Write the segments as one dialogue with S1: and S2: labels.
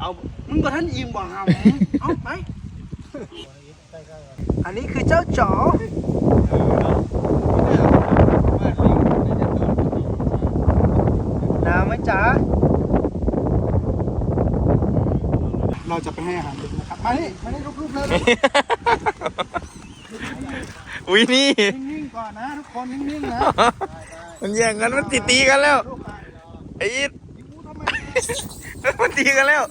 S1: เอามึงบ่ท่านอิ่มบ่หำเอาไปอันนี้คือเจ้าจ๋อหนาวไหมจ๊ะเราจะไปให้อาหารลิงนะครับมานี่รูปๆเลย
S2: อุ้ยนี่
S1: นิ่งๆก่อนนะทุกคนนิ่งๆนะ
S2: มันแย่งกันมันตีกันแล้วไอ้อีทมันตีกันแล้ว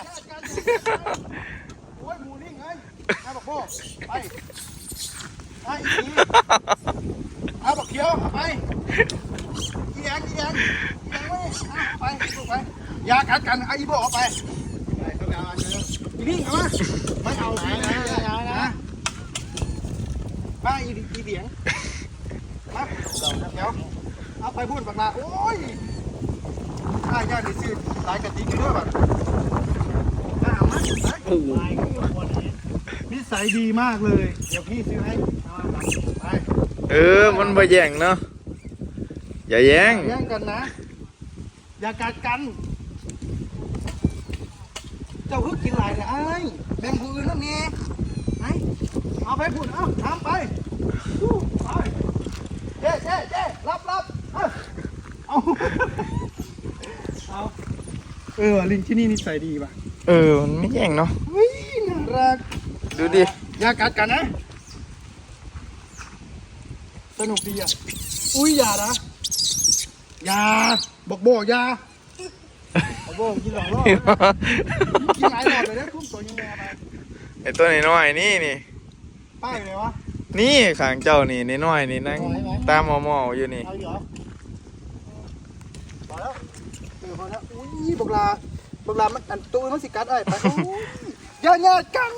S1: โอ้ยหมูนิ่งไงเอาบักโบ้ไปไปอีกทีเอาบักเขียวเอาไปอีแดงไว้เอาไปลูกไปยากัดกันไอ้อีโบ้เอาไปอีนิ่งเอามาไม่เอาสินะมาอีเบียงมาเดี๋ยวเอาไปพูดบักลาโอ้ยข้าย่าดิซื้อหลายกะติกอยู่ด้วยบัดเอามานิสัยดีมากเลยเดี๋ยวพี่ซื้อให้ไป
S2: มันบ่แย่งเนาะอย่าแย่ง
S1: แย่งกันนะอย่ากัดกันเจ้าคือกินหลายเลยไอ้แบ่งผู้อื่นแล้วนี่ไอ้เอาไปพูดเอาทำไปไปเจ๊รับเอาลิงที่นี่นิสัยดีป่ะ
S2: มันไม่แย่งเนาะ
S1: วิ่งน่ารัก
S2: ดูดิ
S1: อย่ากัดกันนะสนุกดีอ่ะอุ้ยอย่านะอย่าบอกอย่าบอกกินหลอกล่อกินหลายหลอดเลยนะคุ้มตัวยังไงไป
S2: ไอ้ตัวน้อยๆนี่
S1: ป้ายเลยวะ
S2: นี่ข้างเจ้านี่น้อยๆนี่นั่งตามหมออยู่นี่
S1: เอาเหรอพอแล้วพอแล้วอุ้ยบักลามันอันตัวมันสิกัดไอ้ไปอย่ากัง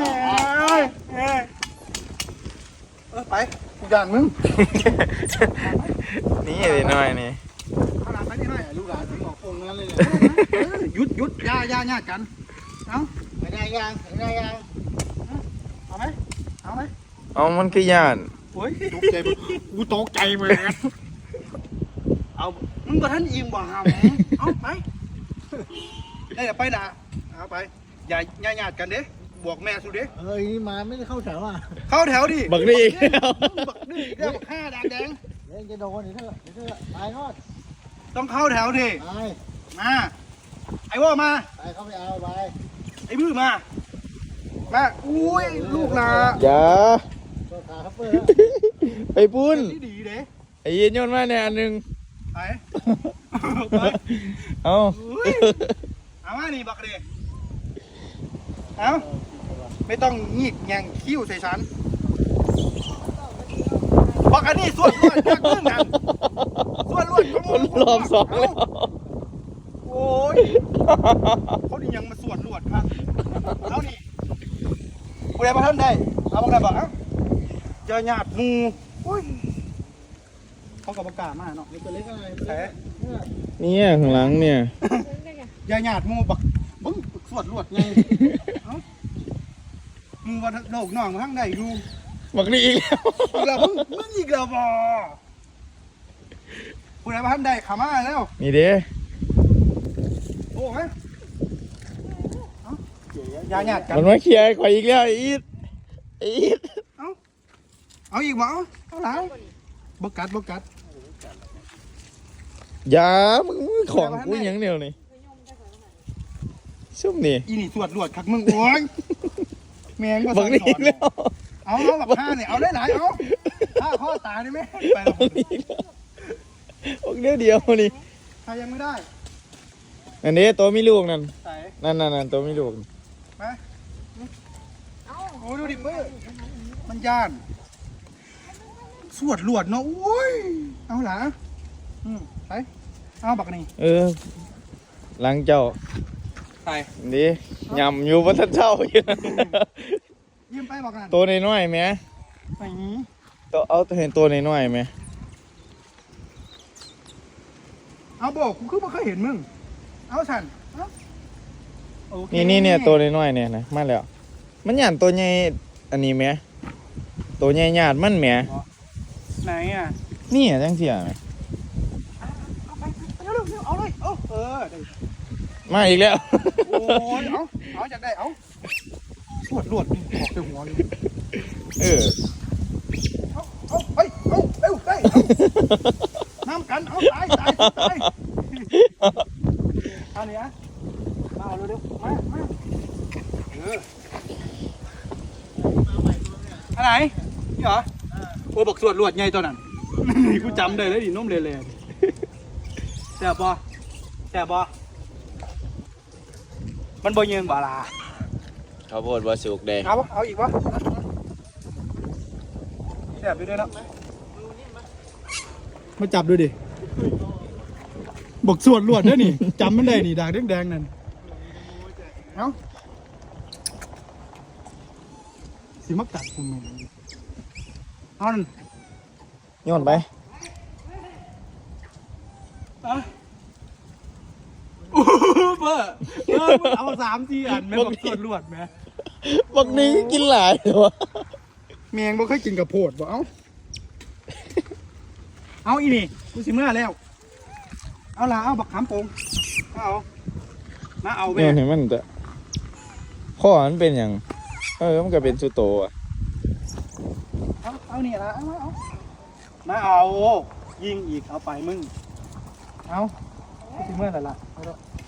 S1: ไปอย่างมึง
S2: นี่น้อยนี่
S1: เอาหลานไปนี่หน่อยลูกหลานถึงออกองนั้นเลยหยุดย่ากันเอาไม่ได้ยังเอาไหม
S2: เอามันคือย่าน
S1: โอ้ยตกใจกูตกใจเหมือนกันเอามึงบ่ท่านอิ่มบ่หำเอาไปได้เดี๋ยวไปนะเอาไปอย่าญาติกันเด้บวกแม่สุดเด้
S3: นี่มาไม่ได้เข้าแถวอ่ะ
S1: เข้าแถวดิ
S2: บักนี่อีก
S1: บักนี่อีกแล้วบักห้าแดง
S3: เดี๋ยวจะโดนเดี๋ยวตายรอด
S1: ต้องเข้าแถวดิ
S3: ตาย
S1: มาไอ้ว่ามา
S3: ตายเข้าไปเอาไป
S1: ไอ้บื้อมาอุ้ยลูกหลา
S2: อย่า
S3: ตัวขาครับเพื่อ
S2: ไปปุ้น
S1: ดีเด้
S2: ไอ้ยีนโยนมาเนี่ยอันหนึง
S1: ไป
S2: เอา
S1: เอามานี่บักเด้เอาไม่ต้องงีกแยงคิ้วใส่ฉันบักอันนี้ส่วนรวดจากมึงนั่นส่วนรวดของมึง
S2: รอบสองแล้ว
S1: โอ้ยเขาดิยังมาส่วนรวดครับเอานี่กูได้มาท่านได้เอาบักได้บักเจอหยาดมูโอ้ยเขากับประกาศมาเนาะ
S3: ตัวเล็กอะไร
S1: แผล
S2: เนี่ยข้างหลังเนี่ย
S1: ยาหยาดมูบักบึ้งสวดรวดไงเอ้ามึงว่าโลกน้องมาทั้งใดดู
S2: บักนี่อีกแล้ว
S1: อีกแล้วมึงอีกแล้วบ่กูได้มาท่านใดขามาแล้ว
S2: นี่เด้
S1: โอ้ไหมยาหยาดกัน
S2: มันมาเคลียร์ข่อยอีกแล้วไอ้อีทไอ้อีท
S1: เอาอีกบ่เอาหลังบกัด
S2: อย่ามึงของกูหยังเดียวนี่ซุ่มนี่
S1: อีนี่สวดรวดคักมึงโอ้ยแมงก็
S2: บั
S1: สั่
S2: ก
S1: ง
S2: นี่
S1: ส
S2: อี
S1: อน
S2: กแล้ว
S1: เอาบักห้าเนี่ยเอาได้หลายเอาถ้าข้อตาได้ไหมไปแล้ว
S2: บักนี่อีกแล้วบักเดียวนี่
S1: ใครยังไม่ได้
S2: อันนี้ตัวมีลูกนั่น
S1: ใส่
S2: นั่นตัวมีลูก
S1: มาโอ้ดูดิเบ้อมันย่านสวดรวดเนาะโอ้ยเอาหล่ะไปเอาบักนี่
S2: หลังเจ้า
S1: ไป
S2: นี่ยำอยู่บนทันเจ้าอยู่
S1: ยืมไปบักนั่น
S2: ตัวน้อยๆไหม
S1: ไปนี้
S2: ตัวเอาเห็นตัวน้อยๆไหม
S1: เอาบอกกูคือบ่เคยเห็นมึงเอาสันเอาโอเค
S2: นี่เนี่ยตัวน้อยๆเนี่ยนะมาแล้ว มันหยาดตัวใหญ่อันนี้ไหมตัวใหญ่หยาดมันไหม
S1: ไหนอ่ะ
S2: นี่จังเสียไหม
S1: เอาไปเร็วเอาเลยได้
S2: มาอีกแล้ว
S1: โอ้ยเอาจากได้เอาสวดลวดออกไปหัวเลย
S2: เออ
S1: เอาเฮ้ยเอาเร็วได้น้ำกันเอาตายเอาเนี่ยมาเอาเร็วมาอะไรนี่เหรอโอ้บอกสวดลวดไงตัวนั้นนี่กูจำได้เลยดินุ่มเลยแซ่บปะมันบ่ยืนบ่ลา
S2: ข้าวโพดบะสุกแดง
S1: เอาอีกวะแซ่บอยู่ด้วยนะมาจับดูดิบอกสวดลวดด้วยนี่จำมันได้นี่ด่างแดงๆนั่นเอาสิมากัดกูมึงเอานั่น
S2: โยนไป
S1: เบอร์เอา3-4 อันแม่บอกสวดลวดแม่
S2: บักนี้กินหลายเลยวะ
S1: แมงบ่เคยกินกับโพดบ่เอาอีนี่กูสิเมื่อแล้วเอาล่ะเอาบักขามโป่งมาเอา
S2: โย
S1: แม่
S2: นให้มันจะข้อมันเป็นอย่างมันก็เป็นสุโตอ่ะ
S1: เอานี่ละมาเอายิงอีกเอาไปมึงเอากูสิเมื่อแล้วล่ะเอาละ